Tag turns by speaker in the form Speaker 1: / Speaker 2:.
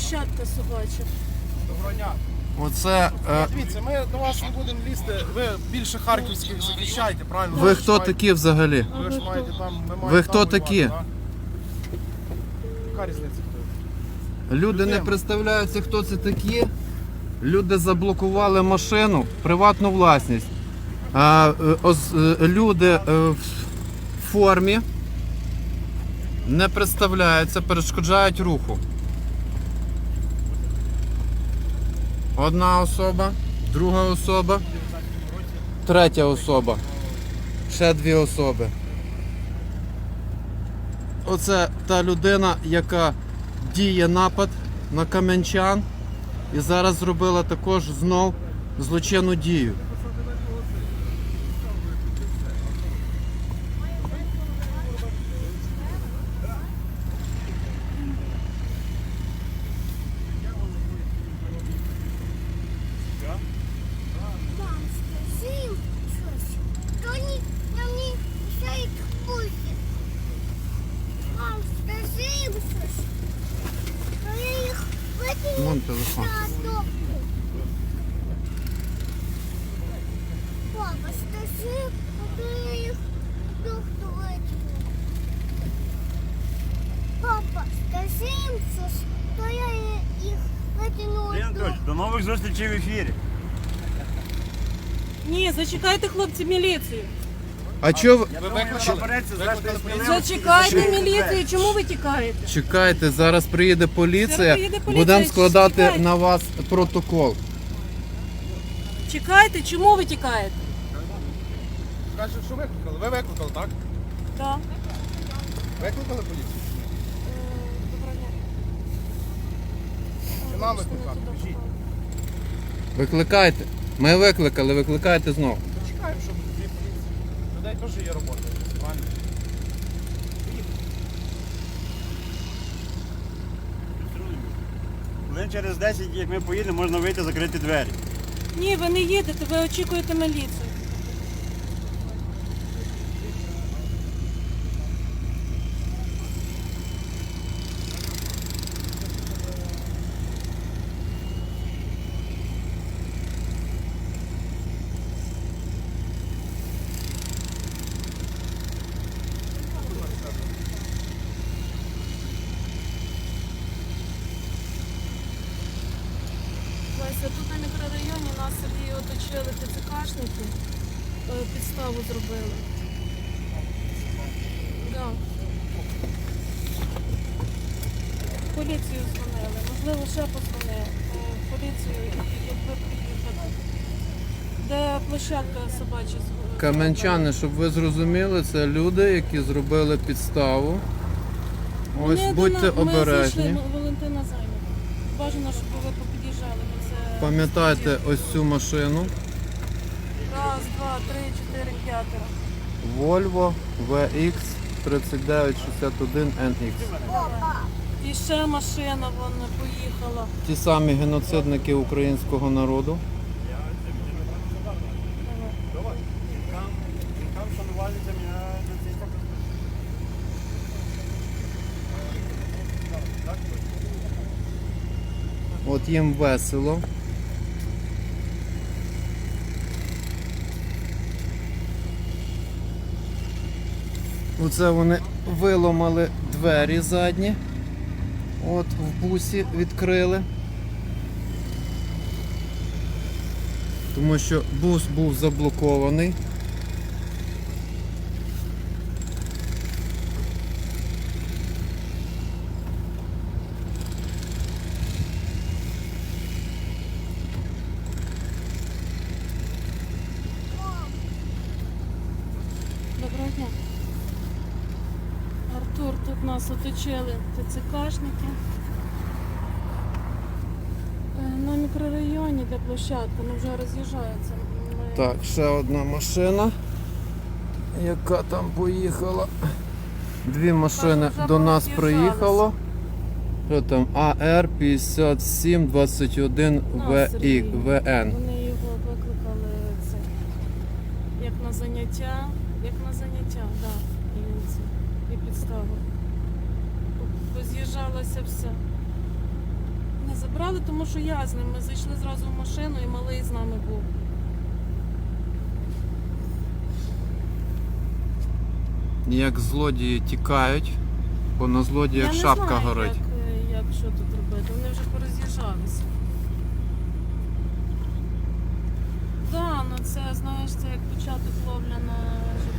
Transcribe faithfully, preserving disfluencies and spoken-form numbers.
Speaker 1: площадка собача.
Speaker 2: Доброго дня.
Speaker 3: Оце. Е...
Speaker 2: Дивіться, ми до вас не будемо лізти. Ви більше харківських захищаєте, правильно?
Speaker 3: Ви хто такі взагалі?
Speaker 2: Ви ж маєте там. Ми маємо
Speaker 3: Ви хто
Speaker 2: там
Speaker 3: такі?
Speaker 2: воювати, да? Яка різниця хто?
Speaker 3: Люди не представляються, хто це такі. Люди заблокували машину, приватну власність. А, е, ос- е, люди е, в формі не представляються, перешкоджають руху. Одна особа, друга особа, третя особа, ще дві особи. Оце та людина, яка діє напад на кам'янчан і зараз зробила також знов злочинну дію.
Speaker 4: Мам, скажи їм щось. То вони нам не мішають бути. Мам, скажи їм щось. То я їх викину
Speaker 3: Вон телефон.
Speaker 4: на топку. Папа, скажи, а то я їх топку викину. Папа, скажи їм щось, то я їх викину.
Speaker 5: Андрій Анатолійович, до нових зустрічей в ефірі.
Speaker 1: Ні, зачекайте, хлопці, міліцію.
Speaker 3: А чого ви...
Speaker 2: Ви викликали? Викликали поліцію?
Speaker 1: Зачекайте міліцію. Чому ви тікаєте?
Speaker 3: Чекайте, зараз приїде поліція,
Speaker 1: Зараз приїде поліція,
Speaker 3: будемо складати
Speaker 1: чекайте.
Speaker 3: на вас протокол.
Speaker 1: Чекайте, чому ви тікаєте?
Speaker 2: Кажуть, що викликали. Ви викликали, так?
Speaker 1: Так.
Speaker 2: Викликали поліцію? Чи нам викликати? Кажіть.
Speaker 3: Викликайте. Ми викликали, викликайте знов.
Speaker 2: Чекаємо, щоб дві поліції. Людей теж є робота. Правильно?
Speaker 5: Хвилин через десять, як ми поїдемо, можна вийти, закрити двері.
Speaker 1: Ні, ви не їдете, ви очікуєте міліцію. Вася, тут на мікрорайоні нас Сергій оточили ТЦКшники, е, підставу зробили. Да. Поліцію дзвонили, можливо, ще позвонили. Е, Поліцію, і якби приїхали. Де площадка собача? з-
Speaker 3: Кам'янчани, щоб ви зрозуміли, це люди, які зробили підставу. Ось
Speaker 1: Вони
Speaker 3: будьте
Speaker 1: до нас- Ми
Speaker 3: обережні.
Speaker 1: зайшли, Валентина зайнята. Бажано, щоб ви попід'їжджали. Ми це...
Speaker 3: Пам'ятайте ось цю машину.
Speaker 1: Раз, два, три, чотири, п'ятеро.
Speaker 3: Volvo ве ікс тридцять дев'ять шістдесят один ен ікс.
Speaker 1: І ще машина вон поїхала.
Speaker 3: Ті самі геноцидники українського народу.
Speaker 5: Там шанувальницям я на цей стопор.
Speaker 3: От їм весело. Оце вони виламали двері задні. От в бусі відкрили. Тому що бус був заблокований.
Speaker 1: Доброго дня. Артур, тут нас оточили ТЦКшники. Е, На мікрорайоні, де площадка, ну вже роз'їжджається. Ми...
Speaker 3: Так, ще одна машина, яка там поїхала. Дві машини
Speaker 1: вже
Speaker 3: до нас
Speaker 1: пороз'їжджалися.
Speaker 3: приїхало. Що там? А Р п'ятдесят сім двадцять один
Speaker 1: На, Сергій.
Speaker 3: В Н.
Speaker 1: Вони його викликали це, як на заняття, як на заняття, да, і, це, і підставу. Поз'їжджалося все. Забрали, тому що я з ним. Ми зайшли зразу в машину і малий з нами був.
Speaker 3: Як злодії тікають, бо на злодіях
Speaker 1: я
Speaker 3: шапка
Speaker 1: не знаю,
Speaker 3: горить.
Speaker 1: Як, е, як що тут робити. Вони вже пороз'їжджалися. Так, да, ну це, знаєш, це як початок ловля на